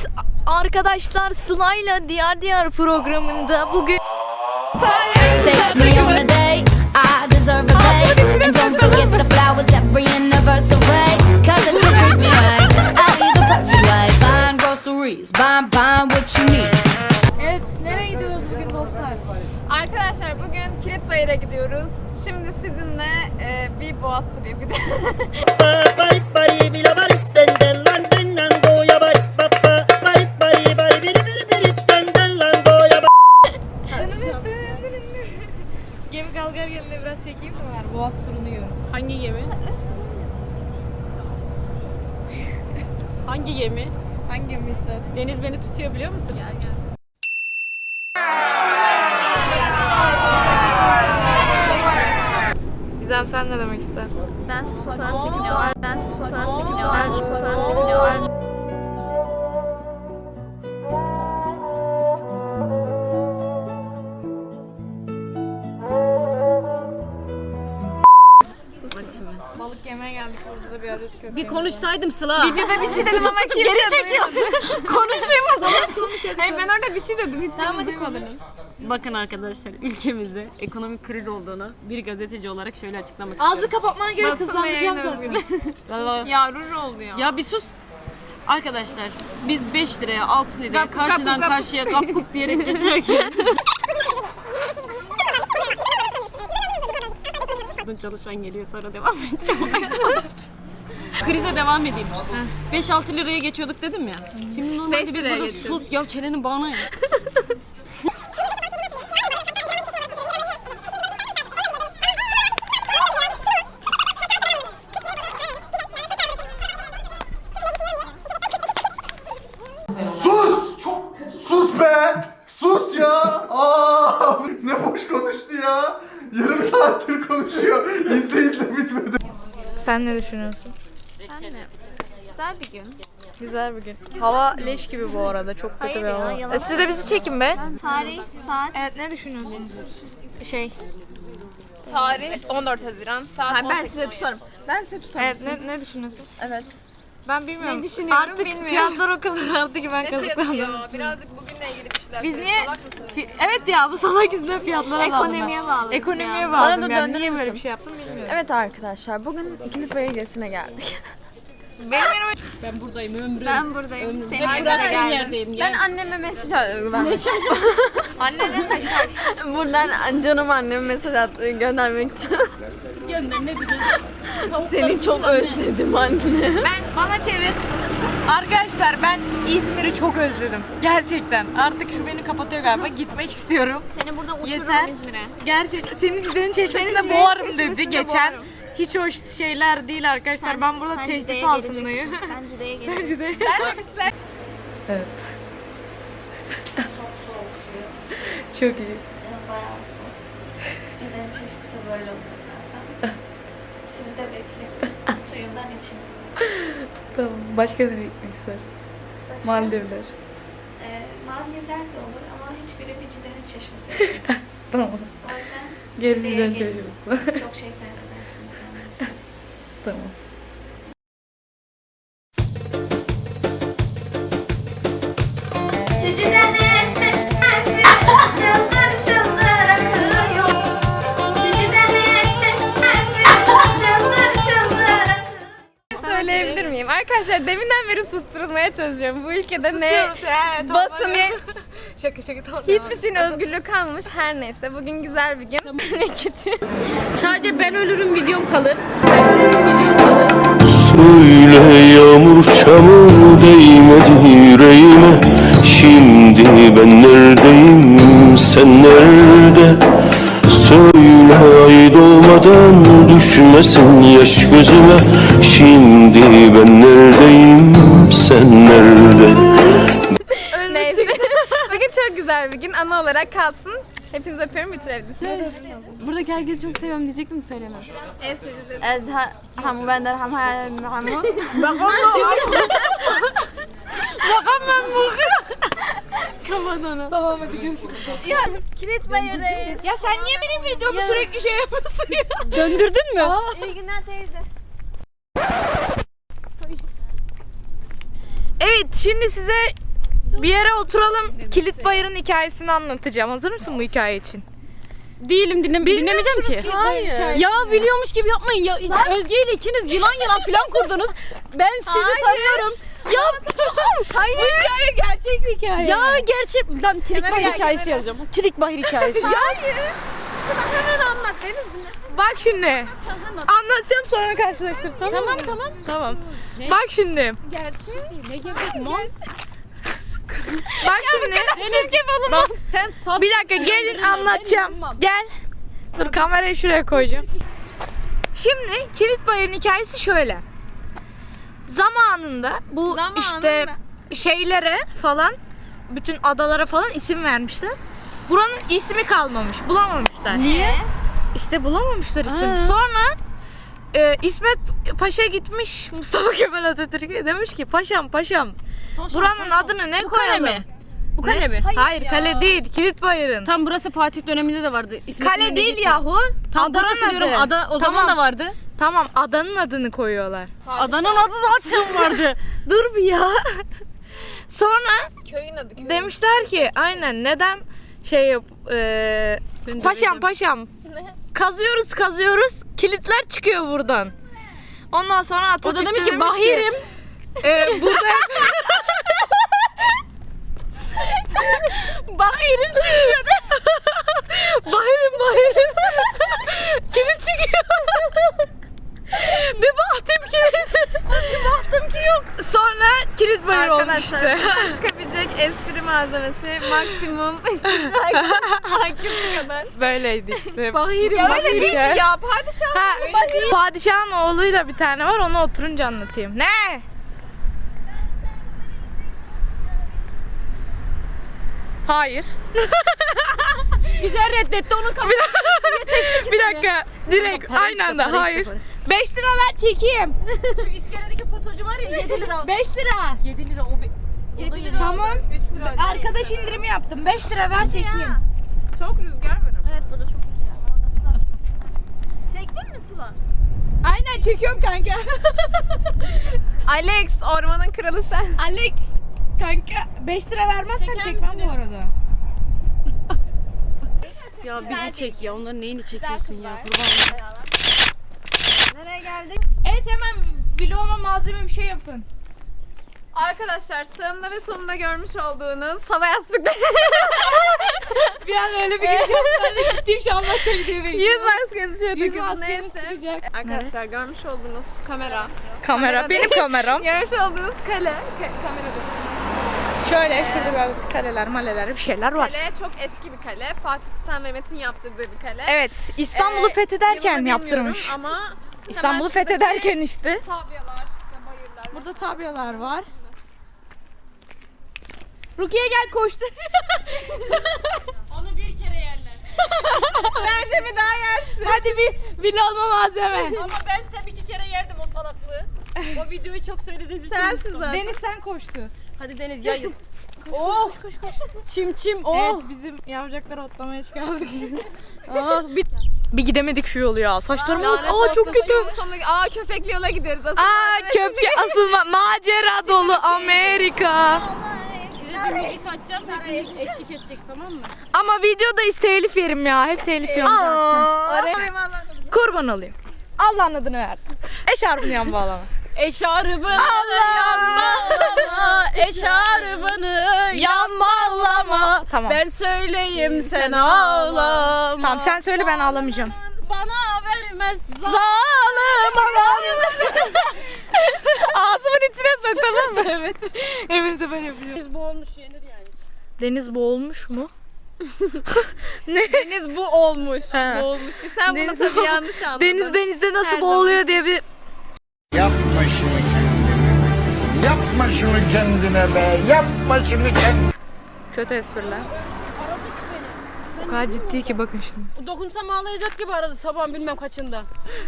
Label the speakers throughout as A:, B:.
A: Evet arkadaşlar, Sıla'yla Diyar Diyar programında bugün
B: Take me on a date, I deserve a date. And don't forget the flowers every anniversary. Cause if you treat me right, I'll be the perfect wife. Buying groceries, buying what you need.
C: Evet, nereye gidiyoruz bugün dostlar?
D: Arkadaşlar bugün Kilitbayır'a gidiyoruz. Şimdi sizinle bir boğaz turu yapacağız. Gemi kalkar yerine biraz çekeyim mi?
C: Ver, boğaz turunu gör.
E: Hangi gemi? Hangi gemi?
C: Hangi gemi istersin?
E: Deniz beni tutuyor biliyor musunuz? Gel.
D: Gizem, sen ne demek istersin?
A: ben siz fotoğraf çekiniyorlar. Ben siz fotoğraf çekiniyorlar. Ben siz fotoğraf çekiniyorlar.
C: Balık yemeye geldik, burada da bir adet köpek.
E: Bir konuşsaydım Sıla.
D: Videoda bir şey dedim ama kimse
E: Geri çekiyor. Konuşayım mı sana?
D: Hayır, ben orada bir şey dedim. Hiç
C: Tamam, hadi konuş.
E: Bakın arkadaşlar, ülkemizde ekonomik kriz olduğunu bir gazeteci olarak şöyle açıklamak
C: Ağzı
E: istiyorum.
C: kapatmana gerek,
D: Basın ve yayın
C: hızlandıracağım zaten.
D: özgürlüğü.
E: Vallahi-
D: Ya ruj oldu ya.
E: Ya bir sus. Arkadaşlar biz 5 liraya 6 liraya
D: Gap,
E: karşıdan
D: gap,
E: karşıya gap gup diyerek geçerken çalışan geliyor, sonra devam edeceğim. Krize devam edeyim. 5-6 liraya geçiyorduk dedim ya. Şimdi normalde
D: 5
E: biz
D: liraya
E: burada
D: geçiyorduk.
E: sus ya, çenenin bağına ya.
F: Sus! Sus be! Sus ya! Aa! Ne boş konuştu ya! Yarım saattir konuşuyor. İzle bitmedi.
C: Sen ne düşünüyorsun?
D: Güzel bir gün.
C: Güzel bir gün. Hava leş gibi bu arada, çok kötü
A: Hayır
C: bir
A: ya,
C: hava.
A: yalan
C: Siz de bizi çekin be.
A: Tarih, saat.
C: Evet, ne düşünüyorsunuz?
D: Tarih 14 Haziran saat
C: Hayır, ben
D: 18.
C: size tutarım.
D: Ben size tutarım.
C: Evet, ne düşünüyorsun?
D: Evet.
C: Ben bilmiyorum.
D: Ne düşünüyorum
C: Artık
D: bilmiyorum.
C: fiyatlar o kadar arttı ki ben
D: Ne fiyatı
C: kazıklandım.
D: ya? Birazcık bugünle ilgili bir şeyler
C: Biz
D: söyle.
C: niye...
D: Salak mısınız?
C: Evet ya, bu salak yüzünden fiyatlara bağlı.
A: Ekonomiye bağlı.
C: Ekonomiye
A: Bana
C: bağlı.
A: da
C: Yani
A: döndürür
C: niye böyle
A: müsün?
C: bir şey yaptım bilmiyorum.
D: Evet arkadaşlar, bugün Kilitbayır gezisine geldik.
C: Benim
E: Ben buradayım ömrüm.
D: Ben buradayım.
E: Ömrüm.
D: Senin
E: Hep
D: arkada
E: bıraktığın
D: geldim.
E: yerdeyim.
D: Ben
E: Gel.
D: anneme mesaj atıyorum.
C: annene haşhaş.
D: Buradan canım anneme mesaj göndermek istiyorum.
E: Gönder, ne diyeceğiz?
D: Seni çok özledim anne.
C: Bana çevir. Arkadaşlar, ben İzmir'i çok özledim. Gerçekten. Artık şu beni kapatıyor galiba. Gitmek istiyorum.
A: Seni buradan uçururum
C: Yeter.
A: İzmir'e.
C: Gerçekten. Senin Cide'nin çeşmesine
D: Cide'nin
C: boğarım
D: çeşmesine
C: dedi geçen.
D: boğarım.
C: Hiç hoş şeyler değil arkadaşlar. Ben burada
A: Sen
C: tehdit
A: Cide'ye
C: altındayım.
A: geleceksin. Sen Cide'ye geleceksin.
C: Cide.
D: Ben demişler.
C: Çok iyi.
G: Bayağı soğuk. Cide'nin çeşmesi böyle oluyor zaten. Sizi de bekliyorum. Suyundan için.
C: Tamam. Başka ne gitmek istersin? Maldivler.
G: Maldivler de olur ama hiçbiri bir Cide'nin çeşmesi değil.
C: Tamam.
G: O yüzden
C: Gerisinden
G: Cide'ye gelin.
C: çeşmesi.
G: Çok şey kaybedersiniz. Yani.
C: Tamam.
G: Şu Cide'nin çeşmesi çıldır çıldır akıyor. Şu Cide'nin çeşmesi çıldır çıldır akıyor.
D: Söyleyebilir miyim? Arkadaşlar deminden beri susturulmaya çalışıyorum. Bu ülkede
C: Susuyoruz ya.
D: basın
C: Şaka tamam.
D: hiçbir şeyin özgürlüğü kalmamış. Her neyse bugün güzel bir gün.
E: Sadece ben ölürüm videom kalır.
H: Söyle yağmur çamur değmedi yüreğime. Şimdi ben neredeyim, sen nerede? Söyle ay doğmadan düşmesin yaş gözüme. Şimdi ben neredeyim, sen nerede?
D: Neyse. Bugün çok güzel bir gün. Ana olarak kalsın. Hepinizi öpüyorum, bitirebilirsiniz.
C: Buradaki herkesi çok seviyorum diyecektim, söylemem.
D: En sevdiğim.
C: Hamu benden hamu hamu. Tamam, hadi görüşürüz.
D: Ya Kilitbayır'dayız.
C: Ya sen niye benim videomu sürekli şey yapıyorsun ya?
E: Döndürdün mü?
D: İyi günler teyze.
C: Evet, şimdi size
A: Bir yere oturalım. Kilitbayır'ın hikayesini anlatacağım. Hazır mısın bu hikaye için?
E: Değilim dinlemeyeceğim ki.
A: Hayır.
E: Ya biliyormuş gibi yapmayın ya. Özge ile ikiniz yılan plan kurdunuz. Ben sizi tanıyorum. Ya
D: Hayır. Bu hikaye gerçek bir hikaye.
E: ya gerçek lan Kilikbahir
D: gel,
E: hikayesi
D: kenara.
E: yazacağım. Kilikbahir hikayesi.
D: Hayır. Sıla hemen anlat Deniz dinle.
A: Bak şimdi. Anlatacağım sonra karşılaştır. Tamam. Bak şimdi.
D: Gerçek.
E: Ne gerçek mal?
A: Bak şimdi.
E: Bak sen saf.
A: Bir dakika gelin anlatacağım. Gel. Dur kamerayı şuraya koyacağım. Şimdi Kilitbayır'ın hikayesi şöyle. Zamanında bu işte şeylere falan, bütün adalara falan isim vermişler. Buranın ismi kalmamış, bulamamışlar.
E: Niye?
A: İşte bulamamışlar isim. Sonra İsmet Paşa gitmiş Mustafa Kemal Atatürk'e demiş ki paşam buranın adını ne koyalım?
E: Bu kale mi?
A: Hayır kale değil, Kilitbayır'ın.
E: Tam burası Fatih döneminde de vardı. İsmet
A: Kale
E: İnönü
A: değil
E: gitti.
A: yahu.
E: Tam
A: Adanın
E: burası diyorum.
A: adı.
E: Ada o zaman da vardı.
A: Tamam adanın adını koyuyorlar.
E: Adanın adı zaten vardı.
A: Dur bir ya. Sonra
D: Köyün adı.
A: demişler ki aynen neden şey yap paşam kazıyoruz kilitler çıkıyor buradan. Ondan sonra
E: O
A: Atatürk
E: da demiş ki Bahirim.
A: Burada
E: Bahirim çıkıyor.
A: Bahirim kilit çıkıyor. Bir baktım ki yok. Sonra Kilitbayır olmuştu.
D: Arkadaşlar buradan çıkabilecek espri malzemesi maksimum işte hakkı kadar.
A: Böyleydi işte.
E: Bahirim.
D: Ya öyle değil mi ya? Padişah.
A: Ha, padişahın oğluyla bir tane var, onu oturunca anlatayım. Ne? Hayır.
E: Güzel reddetti onun kamerayı.
A: Bir dakika. Direkt aynı anda. Hayır. 5 lira ver çekeyim.
E: Şu iskeledeki fotocu var ya 7 lira.
A: 5 lira.
E: 7 lira o. 7 lira.
A: Tamam.
D: 3 lira.
A: Arkadaş indirimi yaptım. 5 lira ver çekeyim.
D: Çok rüzgar var ama.
G: Evet burada çok rüzgar var.
D: Çektin mi Sıla?
A: Aynen çekiyorum kanka.
D: Alex ormanın kralı sen.
A: Alex kanka 5 lira vermezsen çekmem bu arada.
E: Ya bizi çek ya. Onların neyini çekiyorsun ya? Kurban.
D: Nereye geldik?
A: Evet hemen vloguma malzeme bir şey yapın.
D: Arkadaşlar sağımda ve solumda görmüş olduğunuz hava yastıkları.
A: Bir an öyle bir giriş yaptım. Ben de ciddiyim şu anlatacak diye bekliyorum.
D: Yüz maskesi şöyle
A: Yüz
D: takıyoruz,
A: maskeniz
D: neyse.
A: çıkacak.
D: Arkadaşlar görmüş olduğunuz kamera.
A: Kamera benim kameram.
D: Görmüş olduğunuz kamera değil.
A: Şöyle şurada böyle kaleler maleler bir şeyler var.
D: Kale çok eski bir kale. Fatih Sultan Mehmet'in yaptırdığı bir kale.
A: Evet İstanbul'u fethederken
D: Yılını
A: yaptırmış.
D: bilmiyorum Ama
A: İstanbul'u
D: hemen şuradaki
A: fethederken işte.
D: Tabyalar, işte bayırlar.
A: Burada tabyalar var. Rukiye gel koştu.
E: Onu bir kere yerler.
D: Bence bir daha yersin.
A: Hadi bir vloguma malzeme.
E: Ama ben sen 2 kere yerdim o salaklığı. O videoyu çok söylediğiniz için.
D: Sensiz zaten.
A: Deniz sen koştu.
E: Hadi Deniz yayıl. Oh. Koş. Çim. Oh.
A: Evet bizim yavrucakları otlamaya çıkardık.
E: Ah,
A: Bir gidemedik şu yolu ya. Saçlarım
D: Lanet
A: aa çok
D: olsun,
A: kötü.
D: şu yolun sonuna- köpekli yola gideriz aslında.
A: Aa köpke asılma macera dolu Amerika.
E: size bir müzik açacağım. Hepiniz eşlik edecek tamam mı?
A: Ama videodayız telif yerim ya. Hep telif yiyorum zaten.
D: Araya
A: Kurban olayım. Allah'ın adını verdim. Eşarbını yan bağlama.
E: Eşarbını yanmalama. Eşarbını
A: Yanmalama. Tamam.
E: Ben söyleyeyim sen ağlama.
A: Tamam sen söyle ben ağlamayacağım.
E: Bana vermez zalim adam.
A: Ağzımın içine sok tamam mı? Evet. Hepinize böyle yapıyorum.
E: Biz bu olmuş yenir yani.
A: Deniz boğulmuş mu?
D: Deniz bu olmuş.
A: Ha.
D: Boğulmuş değil. Sen bunu
A: Deniz
D: tabii yanlış anladın.
A: Deniz denizde nasıl
D: Her
A: boğuluyor diye bir
I: Yapma şunu kendine. Yapma şunu kendine be. Yapma şunu kendine.
A: kötü espriler. O kadar ciddi ki bakın şimdi.
E: Dokunsam ağlayacak gibi aradı sabahın bilmem kaçında.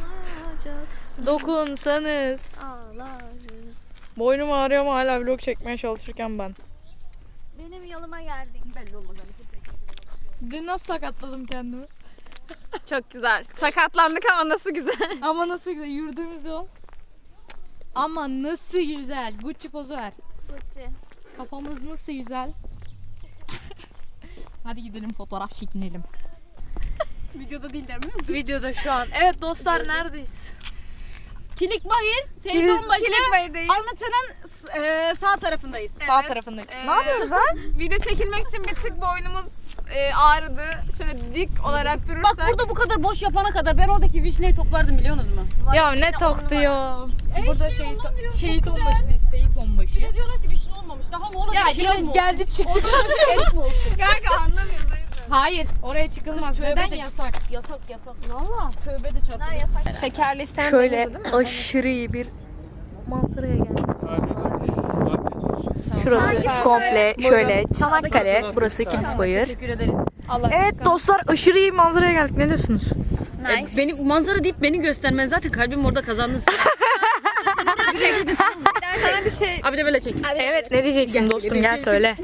A: Dokunsanız. Boynum ağrıyor ama hala vlog çekmeye çalışırken ben.
G: Benim yoluma geldin.
A: Dün nasıl sakatladım kendimi?
D: Çok güzel. Sakatlandık ama nasıl güzel.
A: Ama nasıl güzel yürüdüğümüz yol. Ama nasıl güzel. Gucci pozu ver.
G: Gucci.
C: Kafamız nasıl güzel. Hadi gidelim fotoğraf çekinelim.
E: Videoda değil değil mi?
A: Videoda şu an. Evet dostlar neredeyiz?
E: Kilikbahir, Seyit Onbaşı.
D: Kilikbayır'dayız.
E: Anlatı'nın sağ tarafındayız.
A: Sağ tarafındayız.
D: Ne yapıyoruz lan? Video çekilmek için bir tık boynumuz ağrıdı. Şöyle dik olarak durursak.
E: Bak burada bu kadar boş yapana kadar ben oradaki vişneyi toplardım biliyor musunuz mu?
A: Ya ne tok diyor.
C: Burada şehit onbaşı değil, Seyit onbaşı.
E: Bir de diyorlar ki vişne olmamış. Daha ne olacak?
C: Ya
E: Kiraz
C: yine
E: mı
C: geldi çıktı.
E: olsun? Erik mi olsun?
D: Kanka anlamıyoruz.
C: Hayır, oraya çıkılmaz.
E: Tövbe
C: Neden
E: de-
C: yasak?
E: Yasak. Valla. Tövbe de çarptı.
D: Şekerli isteyen
A: Şöyle aşırı iyi bir manzaraya geldik. Şurası komple şöyle Çanakkale, burası Kilitbayır.
E: Teşekkür ederiz.
A: Evet dostlar aşırı iyi manzaraya geldik. Ne diyorsunuz?
D: Nice.
E: Beni manzara deyip beni göstermen zaten kalbim orada kazandın.
D: Sana bir şey...
E: Abi de böyle çek.
A: Evet ne diyeceksin dostum gel söyle.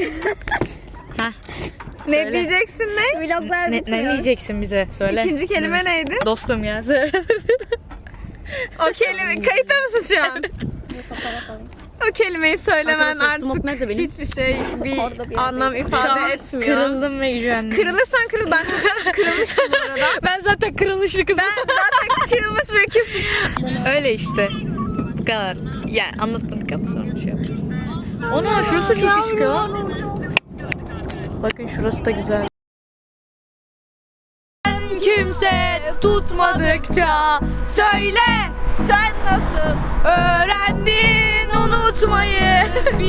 D: Ne diyeceksin ne?
G: Vloglar
A: Ne diyeceksin bize söyle.
D: İkinci kelime neydi?
A: Dostum ya söyle.
D: O kelime kayıtta mısın şu an? O kelimeyi söylemen
E: Arkadaşlar, smoke
D: artık
E: nerede benim?
D: hiçbir şey bir anlam
A: Şu
D: ifade
A: an
D: etmiyor.
A: kırıldım ve gücendim.
D: Kırılırsan kırıl. Ben çok kırılmıştım bu arada.
A: Ben zaten kırılışlı kızım.
D: Ben zaten kırılmış bir kızım.
A: Öyle işte. Bu kadar. Yani anlatmadık ama sonra şey yaparız. Ana şurası çok küçük ya. Bakın şurası da güzel. Kimse tutmadıkça söyle sen nasıl öğrendin unutmayı.